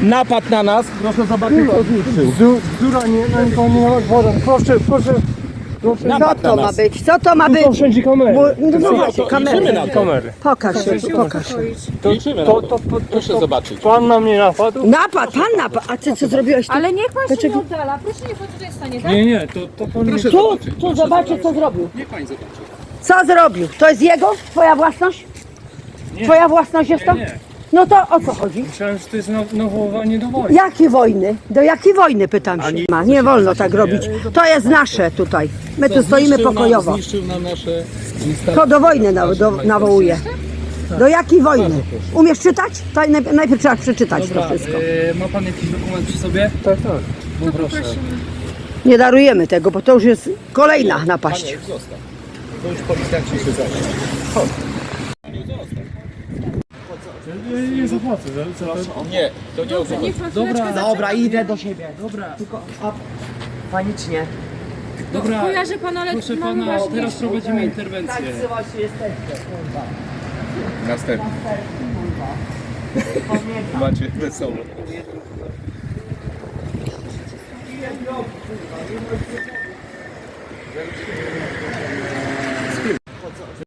napad na nas. Proszę zobaczyć, co zniszczył. Bzdura, nie, na nikogo nie ma woda. Proszę, proszę. Proszę. Napad Co to na ma nas. być? Co to ma Tu być? są wszędzie kamery. No No, właśnie, to liczymy na kamery. to. Kamery. Pokaż się, pokaż się. Liczymy na to. Proszę zobaczyć. Pan na mnie napadł? Napad, pan napad. A ty co zrobiłeś tu? Ale niech pan się Dlaczego? nie oddala. Proszę niech pan tutaj stanie, tak? Nie, to pan... Proszę Tu, zobaczyć. tu zobaczę co zrobił. Niech pani zobaczy. Co zrobił? To jest jego? Twoja własność? Twoja własność jest to? Nie. No to o co chodzi? Myślałem, że to jest nawoływanie do wojny. Jakiej wojny? Do jakiej wojny pytam się? Nie wolno tak robić. To jest nasze tutaj. My tu stoimy pokojowo. Zniszczył nam nasze instalacje. To do wojny nawołuje. Do jakiej wojny? Umiesz czytać? To najpierw trzeba przeczytać to wszystko. Ma pan jakiś dokument przy sobie? Tak. No proszę. Nie darujemy tego, bo to już jest kolejna napaść. Panie, zostaw. To już policjanci się zajmą. Chodź. Panie, zostaw. Nie zapłacę. Nie, to nie o to chodzi. Dobra, idę do siebie. Dobra. Tylko panicznie. Dobra, Kojarzę pana, ale proszę mamy pana, ważniejsze. teraz prowadzimy interwencję. właśnie jesteście, kurwa. Następny. Macie wesoło.